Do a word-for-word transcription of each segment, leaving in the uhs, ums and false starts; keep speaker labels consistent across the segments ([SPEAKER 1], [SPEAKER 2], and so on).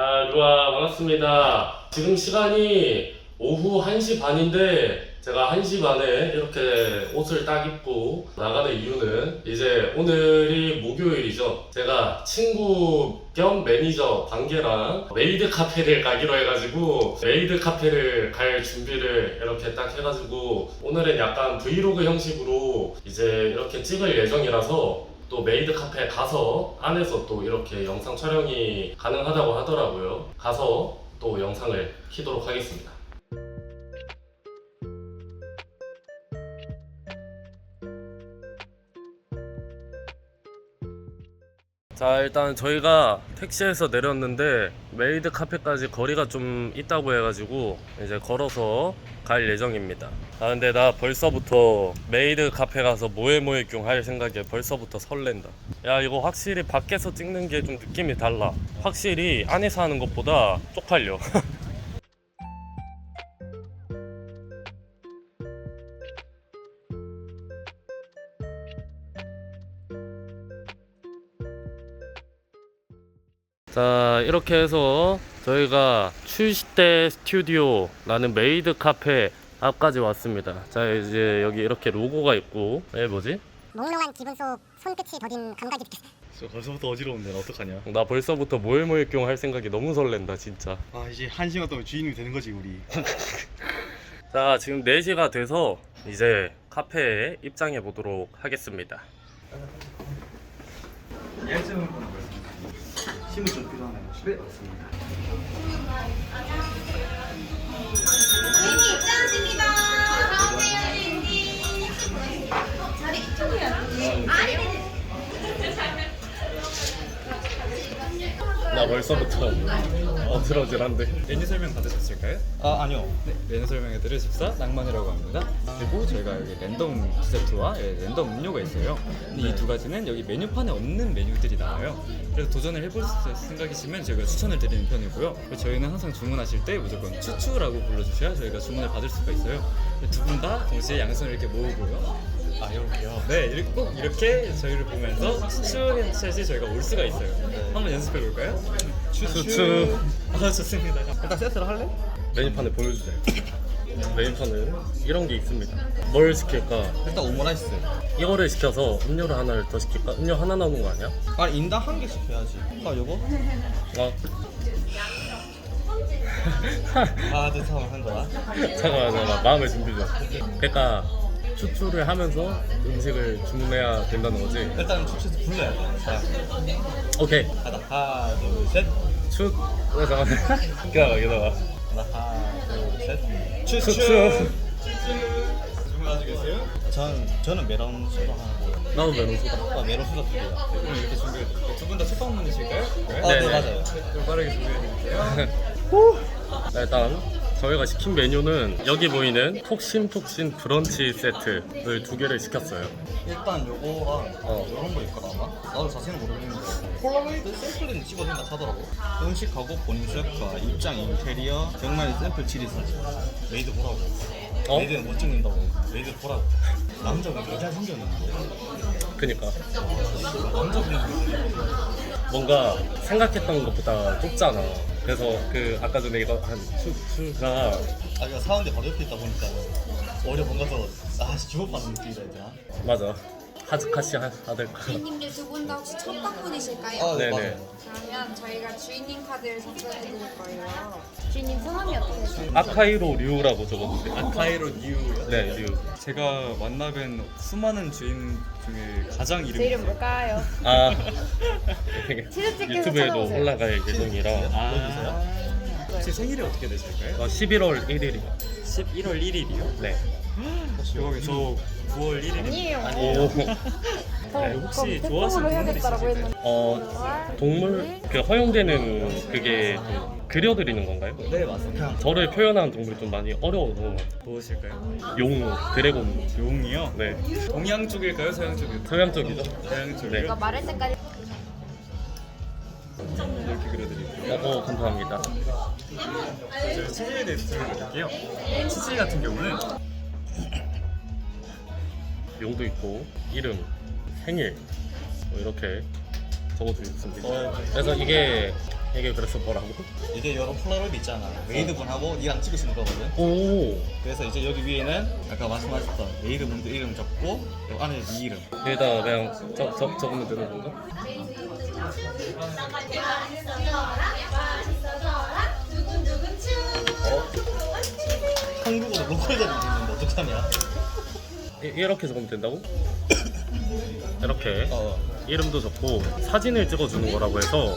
[SPEAKER 1] 아, 루아 반갑습니다. 지금 시간이 오후 한 시 반인데 제가 한 시 반에 이렇게 옷을 딱 입고 나가는 이유는 이제 오늘이 목요일이죠. 제가 친구 겸 매니저 관계랑 메이드 카페를 가기로 해가지고 메이드 카페를 갈 준비를 이렇게 딱 해가지고 오늘은 약간 브이로그 형식으로 이제 이렇게 찍을 예정이라서 또 메이드 카페에 가서 안에서 또 이렇게 영상 촬영이 가능하다고 하더라고요. 가서 또 영상을 키도록 하겠습니다. 자, 일단 저희가 택시에서 내렸는데 메이드 카페까지 거리가 좀 있다고 해가지고 이제 걸어서 갈 예정입니다. 아 근데 나 벌써부터 메이드 카페 가서 모에모에뀨 할 생각에 벌써부터 설렌다. 야, 이거 확실히 밖에서 찍는 게 좀 느낌이 달라. 확실히 안에서 하는 것보다 쪽팔려. 자, 이렇게 해서 저희가 출시대 스튜디오라는 메이드 카페 앞까지 왔습니다. 자, 이제 여기 이렇게 로고가 있고, 예, 뭐지?
[SPEAKER 2] 몽롱한 기분 속 손끝이 더딘 감각이 느껴.
[SPEAKER 3] 벌써부터 어지러운데 나 어떡하냐.
[SPEAKER 1] 나 벌써부터 모에모에뀨 할 생각이 너무 설렌다, 진짜.
[SPEAKER 3] 아 이제 한 시간 동안 주인이 되는 거지 우리.
[SPEAKER 1] 자, 지금 네 시가 돼서 이제 카페에 입장해 보도록 하겠습니다.
[SPEAKER 3] 예증을 보는 거였습니다. 힘을 좀 필요하네요. 네, 맞습니다.
[SPEAKER 4] 주인님 입장하십니다. 어서오세요, 주인님. 자리 이쪽이야. 아니, 네.
[SPEAKER 1] 나 벌써부터 어지러질한데.
[SPEAKER 5] 메뉴 설명 받으셨을까요?
[SPEAKER 3] 아 아니요.
[SPEAKER 5] 네, 메뉴 설명해드릴 집사 낭만이라고 합니다. 그리고 저희가 여기 랜덤 디저트와 예, 랜덤 음료가 있어요. 근데 이 두 가지는 여기 메뉴판에 없는 메뉴들이 나와요. 그래서 도전을 해볼 생각이시면 저희가 추천을 드리는 편이고요. 그리고 저희는 항상 주문하실 때 무조건 추추라고 불러주셔야 저희가 주문을 받을 수가 있어요. 두 분 다 동시에 양손을 이렇게 모으고요.
[SPEAKER 3] 아 이렇게요.
[SPEAKER 5] 네, 이렇게 꼭 이렇게 저희를 보면서 추추 헤드셋이 저희가 올 수가 있어요. 한번 연습해 볼까요?
[SPEAKER 1] 추추.
[SPEAKER 5] 아, 좋습니다.
[SPEAKER 3] 일단 세트를 할래?
[SPEAKER 1] 메뉴판을 보여주자. 메뉴판은 이런 게 있습니다. 뭘 시킬까?
[SPEAKER 3] 일단 오므라이스.
[SPEAKER 1] 이거를 시켜서 음료를 하나를 더 시킬까? 음료 하나 나오는 거 아니야?
[SPEAKER 3] 아 인당 한 개씩 해야지. 아 요거?
[SPEAKER 1] 어,
[SPEAKER 3] 아 뜻하면 한 거야.
[SPEAKER 1] 잠깐만, 잠깐만, 마음의 준비 좀. 그러니까 추출을 하면서 음식을 주문해야 된다는 거지.
[SPEAKER 3] 일단 축제에서 불러야 돼. 자
[SPEAKER 1] 오케이.
[SPEAKER 3] 하나 하나 둘 셋.
[SPEAKER 1] 추. 어, 잠깐만. 기다려, 기다려.
[SPEAKER 3] 하나 하나 둘 셋.
[SPEAKER 1] 추추.
[SPEAKER 3] 주문하시겠어요? 전 저는 메론 소다 하고.
[SPEAKER 1] 나도 메론 소다.
[SPEAKER 3] 아 메론 소다 두 개요.
[SPEAKER 5] 그럼 이렇게 준비해 두 분 다 첫방 문이실까요?
[SPEAKER 3] 아
[SPEAKER 1] 네,
[SPEAKER 3] 네
[SPEAKER 1] 네.
[SPEAKER 3] 맞아요.
[SPEAKER 5] 좀 빠르게 준비해 드릴게요.
[SPEAKER 1] 자, 일단 저희가 시킨 메뉴는 여기 보이는 톡신톡신 브런치 세트를 두 개를 시켰어요.
[SPEAKER 3] 일단 요거랑
[SPEAKER 1] 어.
[SPEAKER 3] 요런 거 있거나 아마 나도 자세히는 모르겠는데 폴라로이드 샘플은 찍어준다 하더라고. 음식하고 본인 셰프와 입장 인테리어 정말 샘플 지리 사진 메이드 보라고.
[SPEAKER 1] 어?
[SPEAKER 3] 메이드는 못 찍는다고. 메이드 보라고. 남자분 여자 생겼는데
[SPEAKER 1] 그니까
[SPEAKER 3] 남자분
[SPEAKER 1] 뭔가 생각했던 것보다 좁잖아. 그래서 그 아까 전에 이거 한 추추가
[SPEAKER 3] 아 이거 사는데 바로 옆에 있다 보니까 오히려 뭔가 더아 주목받는 느낌이다 얘들아.
[SPEAKER 1] 맞아. 하즈카시 하- 하들까.
[SPEAKER 4] 주인님들 두 분 다 혹시 첫 방문이실까요?
[SPEAKER 3] 아 네
[SPEAKER 1] 네네.
[SPEAKER 3] 맞아요.
[SPEAKER 4] 그러면 저희가 주인님 카드를 작성해드릴 거예요. 주인님 성함이 어떻게 되세요?
[SPEAKER 1] 아카이로 류라고 적었는데.
[SPEAKER 5] 아카이로 뉴요.
[SPEAKER 1] 네, 류.
[SPEAKER 5] 제가 만나뵌 수많은 주인 중에 가장
[SPEAKER 4] 제
[SPEAKER 5] 이름이
[SPEAKER 4] 이름 뭘까요?
[SPEAKER 1] 아,
[SPEAKER 4] 치즈집게서
[SPEAKER 1] 유튜브에도
[SPEAKER 4] 찾아오세요.
[SPEAKER 1] 올라갈 예정이라.
[SPEAKER 5] 아, 혹시 생일이 어떻게 되실까요?
[SPEAKER 1] 어, 십일월 일일이요.
[SPEAKER 5] 십일월 일일이요?
[SPEAKER 1] 네.
[SPEAKER 5] 여기 저 구월 일일입니다.
[SPEAKER 4] 아니에요.
[SPEAKER 1] 오.
[SPEAKER 5] 네, 혹시
[SPEAKER 4] 그럼
[SPEAKER 5] 좋아하시는
[SPEAKER 4] 태풍으로
[SPEAKER 5] 동물
[SPEAKER 4] 해야겠다라고
[SPEAKER 5] 있으실까요?
[SPEAKER 4] 했는데
[SPEAKER 1] 어, 동물 그 허용되는 그게 좀 그려드리는 건가요?
[SPEAKER 5] 네, 맞습니다.
[SPEAKER 1] 저를 표현하는 동물이 좀 많이 어려워서
[SPEAKER 5] 무엇일까요?
[SPEAKER 1] 용, 드래곤.
[SPEAKER 5] 용이요?
[SPEAKER 1] 네.
[SPEAKER 5] 동양 쪽일까요? 서양 쪽일까요?
[SPEAKER 1] 서양 쪽이죠?
[SPEAKER 5] 서양 쪽이요?
[SPEAKER 1] 네.
[SPEAKER 4] 이거 말할 때까지
[SPEAKER 5] 이렇게 그려드릴게요.
[SPEAKER 1] 어, 어, 감사합니다.
[SPEAKER 5] 저희 치즈에 대해서 설명드릴게요. 치즈 같은 경우는
[SPEAKER 1] 용도 있고 이름, 생일 뭐 이렇게 적어주고 있습니다. 그래서 이게 이게 그래서 뭐라고?
[SPEAKER 3] 이게 여러 폴라로이드 있잖아. 메이드분하고 니랑 찍을 수 있는 거거든.
[SPEAKER 1] 오.
[SPEAKER 3] 그래서 이제 여기 위에는 아까 말씀하셨던 메이드분들 이름 적고 요 안에 네 이름.
[SPEAKER 1] 여기다가 그냥 적, 적, 적으면 되는 건가?
[SPEAKER 3] 어? 한국어로 로컬 자리 있는데 어떡하냐?
[SPEAKER 1] 이, 이렇게 적으면 된다고? 이렇게
[SPEAKER 3] 어.
[SPEAKER 1] 이름도 적고 사진을 찍어주는 거라고 해서.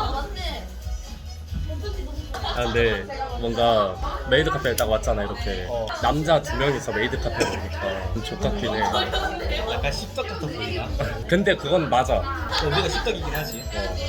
[SPEAKER 1] 아 근데 뭔가 메이드 카페에 딱 왔잖아 이렇게.
[SPEAKER 3] 어.
[SPEAKER 1] 남자 두 명이서 메이드 카페에 오니까 좀 족같긴 해.
[SPEAKER 3] 약간 십덕 같아 보이나?
[SPEAKER 1] 근데 그건 맞아.
[SPEAKER 3] 우리가 십덕이긴 하지.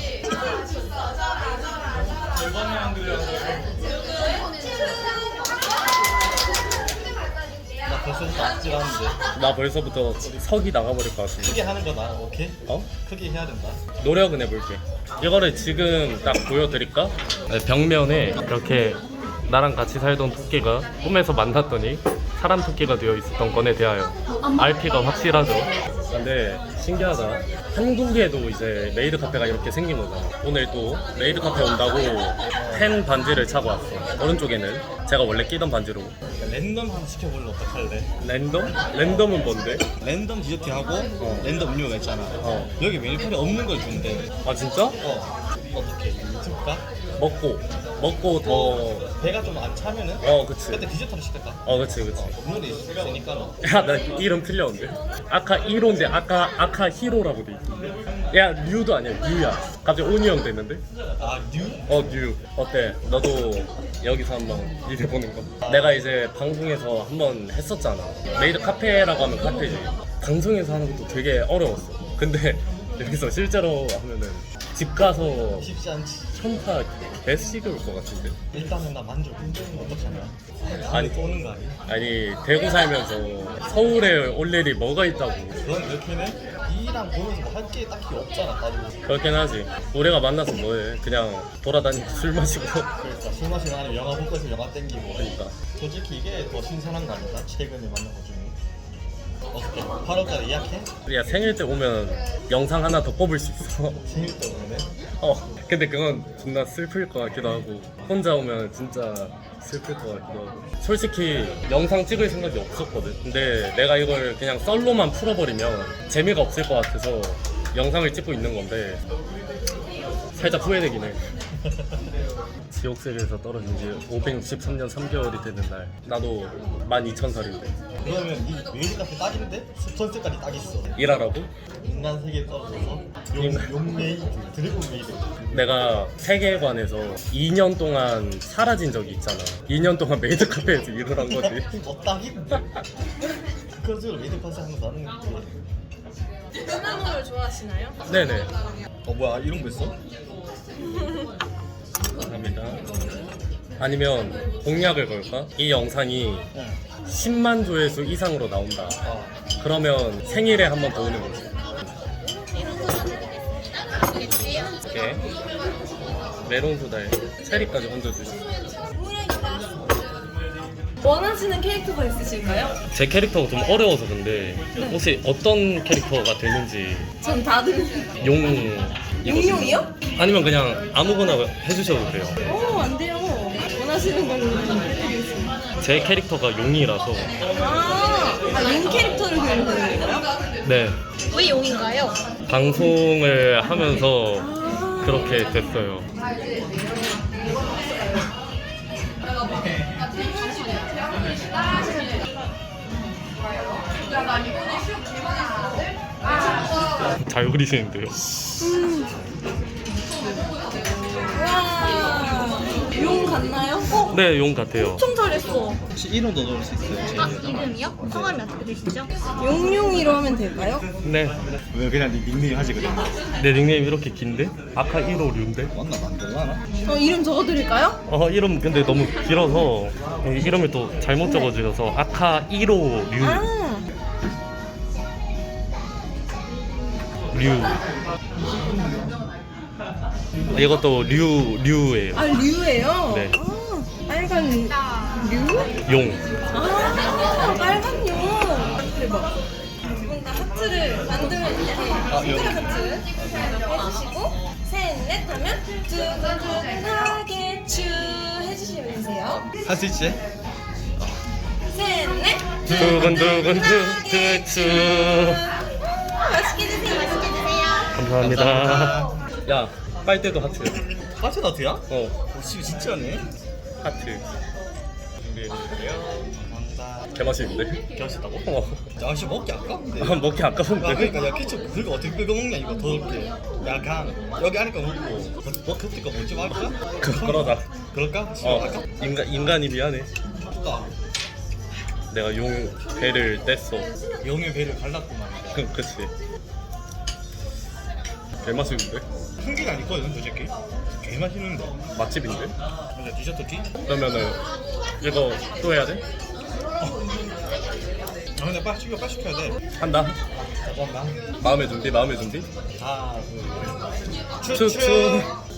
[SPEAKER 3] 나 벌써부터 아찔한데.
[SPEAKER 1] 나 벌써부터 석이 나가버릴 것 같은데.
[SPEAKER 3] 크게 하는 거다. 오케이?
[SPEAKER 1] 어?
[SPEAKER 3] 크게 해야 된다.
[SPEAKER 1] 노력은 해볼게. 이거를 지금 딱 보여드릴까? 네, 벽면에 이렇게 나랑 같이 살던 토끼가 꿈에서 만났더니 사람 토끼가 되어 있었던 건에 대하여 알피가 확실하죠. 근데 신기하다. 한국에도 이제 메이드 카페가 이렇게 생긴 거잖아. 오늘 또 메이드 카페 온다고 팬 반지를 차고 왔어. 오른쪽에는 제가 원래 끼던 반지로.
[SPEAKER 3] 랜덤 하나 시켜볼래 어떡할래?
[SPEAKER 1] 랜덤? 랜덤은 뭔데?
[SPEAKER 3] 랜덤 디저트하고
[SPEAKER 1] 어.
[SPEAKER 3] 랜덤 음료가 있잖아.
[SPEAKER 1] 어.
[SPEAKER 3] 여기 메뉴판에 없는 걸 준대.
[SPEAKER 1] 아 진짜?
[SPEAKER 3] 어. 어떻게? 유튜브가?
[SPEAKER 1] 먹고 먹고 더.
[SPEAKER 3] 배가 좀 안 차면은?
[SPEAKER 1] 어 그치.
[SPEAKER 3] 그때 디저트로 시켰다.
[SPEAKER 1] 어 그치 그치.
[SPEAKER 3] 국물이 있으니까 너.
[SPEAKER 1] 야, 나 이름 틀렸는데. 아카 일호인데 아까 아카 히로라고 돼 있어. 야, 류도 아니야, 류야. 갑자기 온이 형 됐는데?
[SPEAKER 3] 아 뉴?
[SPEAKER 1] 어, 류. 어때? 너도 여기서 한번 일해보는 거? 내가 이제 방송에서 한번 했었잖아. 메이드 카페라고 하면 카페지. 방송에서 하는 것도 되게 어려웠어. 근데 여기서 실제로 하면은 집 가서
[SPEAKER 3] 쉽지 않지.
[SPEAKER 1] 현타 개 식을 것 같은데.
[SPEAKER 3] 일단은 나 만족. 어떡하냐?
[SPEAKER 1] 아니.
[SPEAKER 3] 또 오는 거 아니야?
[SPEAKER 1] 아니, 대구 살면서 서울에 올 일이 뭐가 있다고.
[SPEAKER 3] 넌 이렇게는 이랑 보면서 뭐 할 게 딱히 없잖아. 나도.
[SPEAKER 1] 그렇긴 하지. 우리가 만나서 뭐해? 그냥 돌아다니고 술 마시고.
[SPEAKER 3] 그러니까 술 마시고 아니면 영화 보고 있으면 영화 땡기고.
[SPEAKER 1] 그러니까.
[SPEAKER 3] 솔직히 이게 더 신선한 거 아닌가? 최근에 만난 것 중에. 어떻게? 팔월달에 예약해?
[SPEAKER 1] 야, 생일 때 오면 영상 하나 더 뽑을 수 있어.
[SPEAKER 3] 생일 때 오면은?
[SPEAKER 1] 어. 근데 그건 존나 슬플 것 같기도 하고. 혼자 오면 진짜 슬플 것 같기도 하고. 솔직히 영상 찍을 생각이 없었거든. 근데 내가 이걸 그냥 썰로만 풀어버리면 재미가 없을 것 같아서 영상을 찍고 있는 건데 살짝 후회되긴 해. 지옥세계에서 떨어진 지 오백육십삼 년 삼 개월이 되는 날. 나도 만 이천 살인데
[SPEAKER 3] 그러면 이 메이드 카페 딱인데 스폰서까지 딱 있어.
[SPEAKER 1] 일하라고?
[SPEAKER 3] 인간 세계에 떨어져서 용,
[SPEAKER 1] 인간-
[SPEAKER 3] 용 메이드, 드래곤 메이드.
[SPEAKER 1] 내가 세계관에서 이 년 동안 사라진 적이 있잖아. 이 년 동안 메이드 카페에서 일을 한 거지.
[SPEAKER 3] 너 딱인데? 그런 식으로 메이드 카페 하는 거 나는 그게.
[SPEAKER 4] 콩나물을 좋아하시나요?
[SPEAKER 1] 네네.
[SPEAKER 3] 어 뭐야 이런 거 있어?
[SPEAKER 1] 감사합니다. 아니면 공약을 걸까? 이 영상이
[SPEAKER 3] 응.
[SPEAKER 1] 십만 조회수 이상으로 나온다.
[SPEAKER 3] 어.
[SPEAKER 1] 그러면 생일에 한 번 더 오는 거지. 이렇게 메론 소다에 체리까지 얹어주시고.
[SPEAKER 4] 원하시는 캐릭터가 있으실까요?
[SPEAKER 1] 제 캐릭터가 좀 어려워서 근데 혹시 어떤 캐릭터가 되는지.
[SPEAKER 4] 전 다들
[SPEAKER 1] 용
[SPEAKER 4] 용용이요?
[SPEAKER 1] 아니면 그냥 아무거나 해주셔도 돼요.
[SPEAKER 4] 오, 안 돼요. 원하시는 걸로 해드리겠습니다.
[SPEAKER 1] 제 캐릭터가 용이라서.
[SPEAKER 4] 아, 아, 용 캐릭터를 그리는 거예요?
[SPEAKER 1] 네.
[SPEAKER 4] 왜 용인가요?
[SPEAKER 1] 방송을 하면서 그렇게 됐어요. 잘 그리시는데요.
[SPEAKER 4] 와, 용 같나요? 어,
[SPEAKER 1] 네, 용 같아요.
[SPEAKER 4] 엄청 잘했어.
[SPEAKER 3] 혹시 이름도 넣을 수 있어요?
[SPEAKER 2] 아, 이름이요? 성함이 어떻게 되시죠?
[SPEAKER 4] 용용이로 하면 될까요?
[SPEAKER 1] 네,
[SPEAKER 3] 왜 그냥 네 닉네임 하지 그래?
[SPEAKER 1] 내 닉네임 이렇게 긴데? 아카 일 호 류인데?
[SPEAKER 3] 맞나 만들라나?
[SPEAKER 4] 어, 이름 적어드릴까요?
[SPEAKER 1] 어, 이름 근데 너무 길어서 이 이름을 또 잘못 적어주셔서 아카 일 호 류.
[SPEAKER 4] 아,
[SPEAKER 1] 류. 이것도 류, 류예요.
[SPEAKER 4] 아 류예요?
[SPEAKER 1] 네.
[SPEAKER 4] 아, 빨간 류?
[SPEAKER 1] 용.
[SPEAKER 4] 아, 빨간 용. 대박. 두 분 다 하트를 만들면 이렇게
[SPEAKER 3] 아, 요.
[SPEAKER 4] 스트레 하트 해주시고 셋, 셋넷 하면 두근두근하게 츄 해주시면 되세요.
[SPEAKER 3] 할 수 있지?
[SPEAKER 4] 셋넷
[SPEAKER 1] 두근두근두근두
[SPEAKER 4] 맛있게 드세요. 맛있게 드세요.
[SPEAKER 1] 감사합니다. 야 빨대도 하트.
[SPEAKER 3] 하트 나트야?
[SPEAKER 1] 어
[SPEAKER 3] 오, 씨 진짜네.
[SPEAKER 1] 하트 준비해주세요.
[SPEAKER 3] 감사합니다.
[SPEAKER 1] 개맛있는데?
[SPEAKER 3] 맛있다고?
[SPEAKER 1] 어
[SPEAKER 3] 야, 씨 먹기 아까운데.
[SPEAKER 1] 아, 먹기
[SPEAKER 3] 아,
[SPEAKER 1] 아까운데?
[SPEAKER 3] 그러니까 야 케첩 그거 어떻게 끓여 먹냐 이거 더럽게. 야, 그냥 여기 하니까 먹고 뭐 그때 거 먹지 말까?
[SPEAKER 1] 그, 그러자.
[SPEAKER 3] 그럴까?
[SPEAKER 1] 어
[SPEAKER 3] 아까
[SPEAKER 1] 인간 인간이 미안해.
[SPEAKER 3] 아까
[SPEAKER 1] 내가 용 배를 뗐어.
[SPEAKER 3] 영의 배를 갈랐구만.
[SPEAKER 1] 그 그치. 개맛있는데?
[SPEAKER 3] 흥기가 아니거든 솔직히. 개 맛있는데.
[SPEAKER 1] 맛집인데?
[SPEAKER 3] 맞아 디저트 티?
[SPEAKER 1] 그러면은 이거 또 해야 돼?
[SPEAKER 3] 아 근데 빨리 시켜 빨리 시켜야 돼.
[SPEAKER 1] 한다.
[SPEAKER 3] 잠깐만.
[SPEAKER 1] 마음의 준비, 마음의 준비.
[SPEAKER 3] 하나 둘.
[SPEAKER 1] 추추.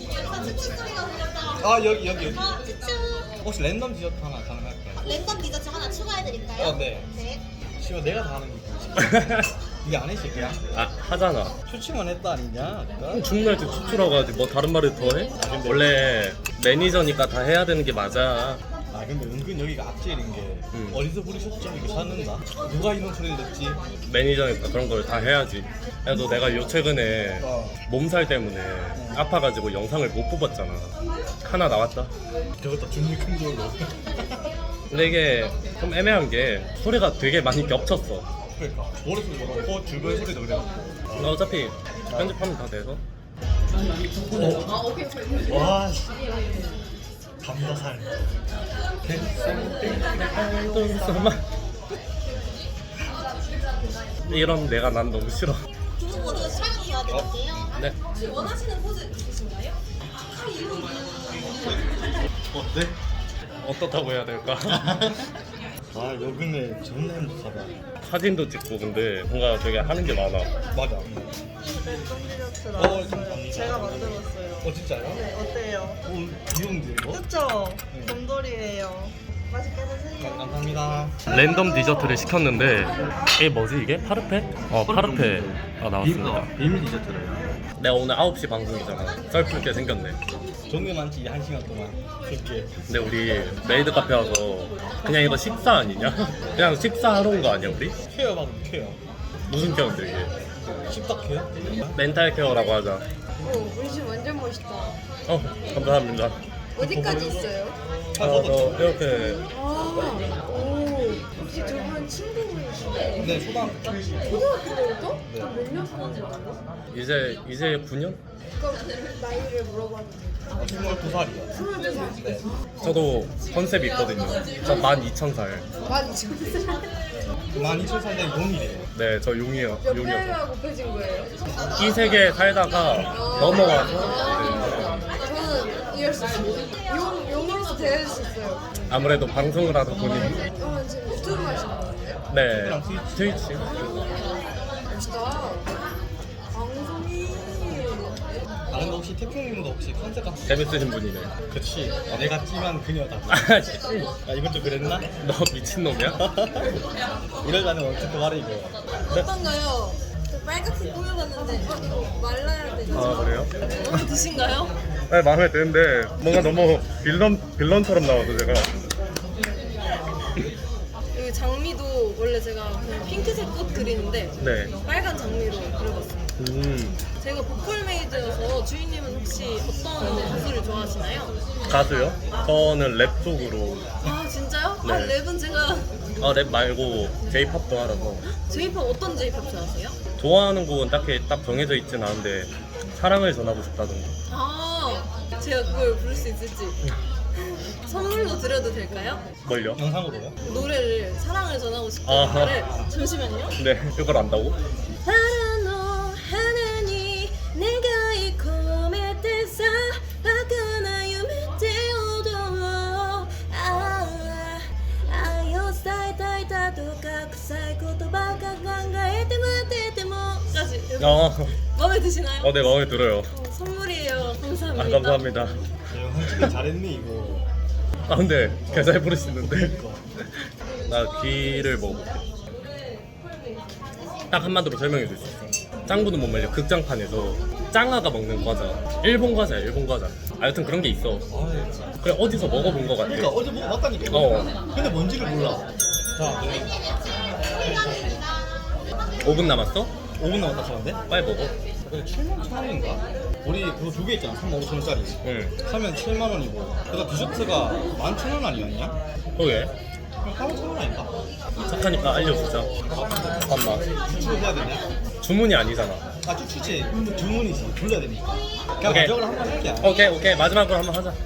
[SPEAKER 3] 아 여기 여기 여기. 혹시 랜덤 디저트 하나 가능할까요?
[SPEAKER 2] 랜덤 디저트 하나 추가해드릴까요?
[SPEAKER 3] 어 네.
[SPEAKER 2] 네.
[SPEAKER 3] 씨발 내가 다 하는 게 이게 안 해, 새끼야?
[SPEAKER 1] 아 하잖아.
[SPEAKER 3] 추치만 했다 아니냐? 아까?
[SPEAKER 1] 그럼 죽날 때 추추라고 하지 뭐 다른 말을 더 해? 원래 매니저니까 다 해야 되는 게 맞아.
[SPEAKER 3] 아 근데 은근 여기가 악질인 게
[SPEAKER 1] 음.
[SPEAKER 3] 어디서 부르셨죠? 이거 찾는다? 누가 이런 소리를 냈지?
[SPEAKER 1] 매니저니까 그런 걸 다 해야지. 그래도 내가 요 최근에
[SPEAKER 3] 어.
[SPEAKER 1] 몸살 때문에 아파가지고 영상을 못 뽑았잖아. 하나 나왔다.
[SPEAKER 3] 저것도 준비 큰 걸로.
[SPEAKER 1] 근데 이게 좀 애매한 게 소리가 되게 많이 겹쳤어.
[SPEAKER 3] 그러니까 머릿속에 그렇고 주변 소리도 그래갖고
[SPEAKER 1] 어차피 편집하면 다 돼서.
[SPEAKER 3] 와 씨. 감자살.
[SPEAKER 1] 이런 내가 난 너무 싫어.
[SPEAKER 2] 두 분 모두 촬영 도와드릴게요.
[SPEAKER 1] 네.
[SPEAKER 4] 원하시는 포즈 있으신가요?
[SPEAKER 3] 어때?
[SPEAKER 1] 어떻다고 해야 될까?
[SPEAKER 3] 아 여기네 존나 행복하다.
[SPEAKER 1] 사진도 찍고 근데 뭔가 되게 하는 게 많아.
[SPEAKER 3] 맞아.
[SPEAKER 6] 랜덤
[SPEAKER 3] 어,
[SPEAKER 6] 디저트랑
[SPEAKER 3] 감사합니다.
[SPEAKER 6] 제가 만들었어요.
[SPEAKER 3] 어 진짜요?
[SPEAKER 6] 네, 어때요?
[SPEAKER 3] 오 귀여운데 이거?
[SPEAKER 6] 그쵸?
[SPEAKER 3] 네.
[SPEAKER 6] 곰돌이에요. 맛있게
[SPEAKER 3] 아,
[SPEAKER 6] 드세요.
[SPEAKER 3] 감사합니다.
[SPEAKER 1] 랜덤 디저트를 시켰는데 이게 뭐지 이게? 파르페? 어 파르페가 나왔습니다.
[SPEAKER 3] 비밀 디저트래요.
[SPEAKER 1] 내가 오늘 아홉 시 방송이잖아. 썰풀 게 생겼네.
[SPEAKER 3] 종류 많지 한 시간 동안. 이렇게.
[SPEAKER 1] 근데 우리 메이드 카페 와서 그냥 이거 식사 아니냐? 그냥 식사하러 온 거 아니야 우리?
[SPEAKER 3] 케어 받으면 케어.
[SPEAKER 1] 무슨 케어인데 이게?
[SPEAKER 3] 십박 케어?
[SPEAKER 1] 멘탈 케어라고 하자.
[SPEAKER 4] 오, 우리 집 완전 멋있다.
[SPEAKER 1] 어 감사합니다.
[SPEAKER 4] 어디까지 있어요?
[SPEAKER 3] 아,
[SPEAKER 1] 어,
[SPEAKER 3] 저도
[SPEAKER 1] 저 이렇게
[SPEAKER 4] 아, 오, 혹시 두 분 친구분이시나요?
[SPEAKER 3] 네 초등학교 때.
[SPEAKER 4] 초등학교 때부터?
[SPEAKER 3] 네.
[SPEAKER 4] 몇년 사는데요?
[SPEAKER 1] 이제 이제 구 년?
[SPEAKER 4] 그럼 나이를 물어봐도 돼요?
[SPEAKER 3] 스물두 살이요.
[SPEAKER 4] 스물두 살.
[SPEAKER 3] 네.
[SPEAKER 1] 저도 컨셉이 있거든요. 저 만 이천 살.
[SPEAKER 4] 만 이천 살.
[SPEAKER 3] 만 이천 살 된 용이래요.
[SPEAKER 1] 네, 저 용이요.
[SPEAKER 4] 몇
[SPEAKER 1] 용이어서.
[SPEAKER 4] 배가 곱해진 거예요?
[SPEAKER 1] 이 세계에 살다가 넘어와서
[SPEAKER 4] 아, 저는 이해할 수 있어요. 용, 용으로서 대해줄 수 있어요.
[SPEAKER 1] 아무래도 방송을 하다 보니
[SPEAKER 4] 어, 지금 유튜브 하시는 거예요?
[SPEAKER 1] 네 트위치.
[SPEAKER 4] 멋있다. 방송이.
[SPEAKER 3] 아 근데 혹시 태풍님도 혹시 컨셉 같은
[SPEAKER 1] 재밌으신 분이네.
[SPEAKER 3] 그치 내가 찜한 그녀다.
[SPEAKER 1] 아, 씨.
[SPEAKER 3] 아 이건 좀 그랬나?
[SPEAKER 1] 너 미친놈이야?
[SPEAKER 3] 이러자는 어떻게 말해 이거.
[SPEAKER 4] 어떤가요? 저 빨갛게 꾸며봤는데 어, 이거 말라야 되죠?
[SPEAKER 1] 아 그래요?
[SPEAKER 4] 마음에 드신가요?
[SPEAKER 1] 네 마음에 드는데 뭔가 너무 빌런 빌런처럼 나와서 제가
[SPEAKER 4] 이 장미도 원래 제가 그냥 핑크색 꽃 그리는데
[SPEAKER 1] 네.
[SPEAKER 4] 빨간 장미로 그려봤습니다.
[SPEAKER 1] 음
[SPEAKER 4] 제가 보컬메이드여서 주인님은 혹시 어떤 가수를 좋아하시나요?
[SPEAKER 1] 가수요? 저는 랩 쪽으로.
[SPEAKER 4] 아 진짜요? 아
[SPEAKER 1] 네.
[SPEAKER 4] 랩은 제가
[SPEAKER 1] 아 랩 말고 J-팝도 알아서.
[SPEAKER 4] J-팝 어떤 J-팝 좋아하세요?
[SPEAKER 1] 좋아하는 곡은 딱히 딱 정해져 있진 않은데 사랑을 전하고 싶다던가.
[SPEAKER 4] 아 제가 그걸 부를 수 있을지 선물로 드려도 될까요?
[SPEAKER 1] 뭘요?
[SPEAKER 3] 영상으로요?
[SPEAKER 4] 노래를 사랑을 전하고 싶은
[SPEAKER 1] 아하.
[SPEAKER 4] 노래를 잠시만요.
[SPEAKER 1] 네 이걸 안다고?
[SPEAKER 4] 바라노 하나니 내가 이 꿈에 대사 바꾸나夢で踊ろうああ愛を伝えたいだとか臭い言葉が考えて待ってても까지
[SPEAKER 1] 어,
[SPEAKER 4] 마음에 드시나요?
[SPEAKER 1] 어, 네 마음에 들어요.
[SPEAKER 4] 어, 선물이에요. 감사합니다.
[SPEAKER 1] 아 감사합니다.
[SPEAKER 3] 야, 영상 찍기 잘했네 이거.
[SPEAKER 1] 아 근데 개잘 부르시는데. 나 귀를 먹어볼게. 딱 한마디로 설명해 줄 수 있어. 짱구는 못 말려. 극장판에서 짱아가 먹는 과자. 일본 과자야 일본 과자. 아 여튼 그런 게 있어. 그래 어디서 먹어본 거 같아.
[SPEAKER 3] 그러니까 어제 먹어봤다니까.
[SPEAKER 1] 어.
[SPEAKER 3] 근데 뭔지를 몰라. 자,
[SPEAKER 1] 오 분 남았어?
[SPEAKER 3] 오 분 남았다 하는데?
[SPEAKER 1] 빨리 먹어.
[SPEAKER 3] 근데 칠만 천 원인가? 우리 그거 두 개 있잖아. 삼만 오천 원짜리.
[SPEAKER 1] 응.
[SPEAKER 3] 사면 칠만 원이고. 그래서 디저트가 만 천 원 아니었냐?
[SPEAKER 1] 그러게.
[SPEAKER 3] 팔만 천 원 아닌가?
[SPEAKER 1] 착하니까 알려주자. 잠깐만.
[SPEAKER 3] 추출해야 되냐?
[SPEAKER 1] 주문이 아니잖아.
[SPEAKER 3] 아, 추출지. 주문이지. 불러야 되니까. 그냥
[SPEAKER 1] 오케이.
[SPEAKER 3] 가격을 한번 할게.
[SPEAKER 1] 오케이 오케이 마지막으로 한번 하자.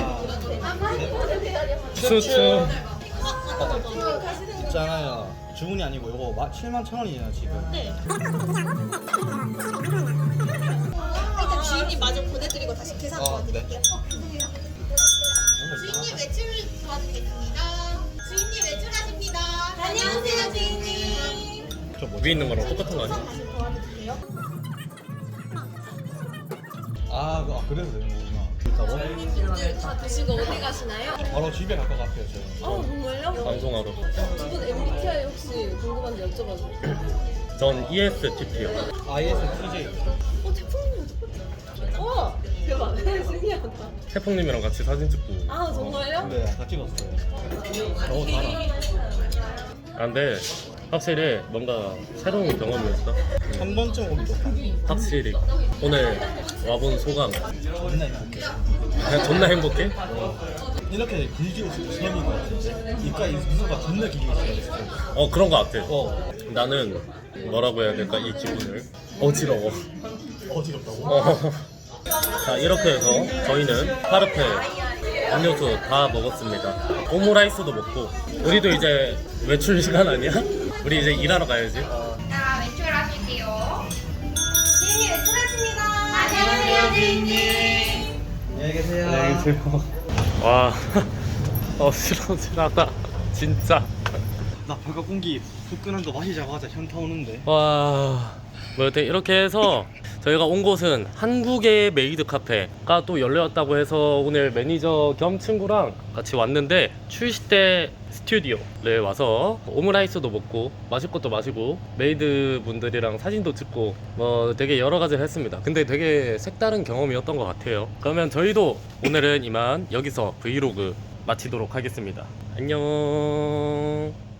[SPEAKER 3] 아,
[SPEAKER 1] 추추.
[SPEAKER 3] 있잖아요. 주문이 아니고 이거 칠만 천 원이에요 지금.
[SPEAKER 4] 일단 주인님 마저 보내드리고 다시 계산
[SPEAKER 3] 어,
[SPEAKER 4] 도와드릴게요.
[SPEAKER 7] 주인님 외출 도와드리겠습니다. 주인님 외출하십니다.
[SPEAKER 4] 안녕하세요 주인님.
[SPEAKER 3] 저
[SPEAKER 1] 위에 있는 거랑 똑같은 거 아니야?
[SPEAKER 4] 다시 도와드릴게요.
[SPEAKER 3] 아, 그- 아 그래서 되는 거구나. 진짜로?
[SPEAKER 4] 손님분들 다 드시고 어디 가시나요?
[SPEAKER 3] 바로 집에 갈 것 같아요 저희.
[SPEAKER 4] 아 정말요?
[SPEAKER 1] 방송하러.
[SPEAKER 4] 두 분 엠비티아이 혹시 궁금한데 여쭤봐도
[SPEAKER 1] 전 이에스티피요.
[SPEAKER 3] 아이에스티제이.
[SPEAKER 4] 어 태풍님 어떡해? 와 대박 신기하다.
[SPEAKER 1] 태풍님이랑 같이 사진 찍고.
[SPEAKER 4] 아 정말요?
[SPEAKER 3] 네, 다 찍었어요. 너무 달아.
[SPEAKER 1] 아, 근데 확실히 뭔가 새로운 경험이었어.
[SPEAKER 3] 한 번쯤 오기 좋다.
[SPEAKER 1] 확실히 오늘 와본 소감.
[SPEAKER 3] 존나 행복해.
[SPEAKER 1] 그냥 존나 행복해?
[SPEAKER 3] 이렇게 길게 웃을 때 처음인 것 같은데 입가 미소가 존나 길게 웃어요.
[SPEAKER 1] 어 그런 거 같아.
[SPEAKER 3] 어,
[SPEAKER 1] 나는 뭐라고 해야 될까 이 기분을 어지러워.
[SPEAKER 3] 어지럽다고?
[SPEAKER 1] 어. 자 이렇게 해서 저희는 파르페 음료수 다 먹었습니다. 오므라이스도 먹고 우리도 이제 외출 시간 아니야? 우리 이제 일하러 가야지.
[SPEAKER 7] 자, 외출하실게요.
[SPEAKER 4] 주인님 외출하십니다.
[SPEAKER 7] 안녕하세요, 주인님.
[SPEAKER 3] 안녕히 계세요.
[SPEAKER 1] 안녕히 계세요. 와 어지러지하다 진짜.
[SPEAKER 3] 나 바깥 공기 후끈한 거 마시자마자 현타 오는데.
[SPEAKER 1] 와, 뭐 여튼 이렇게 해서 저희가 온 곳은 한국의 메이드 카페가 또 열렸다고 해서 오늘 매니저 겸 친구랑 같이 왔는데 출시 때 스튜디오에 와서 오므라이스도 먹고 마실 것도 마시고 메이드 분들이랑 사진도 찍고 뭐 되게 여러 가지를 했습니다. 근데 되게 색다른 경험이었던 것 같아요. 그러면 저희도 오늘은 이만 여기서 브이로그 마치도록 하겠습니다. 안녕.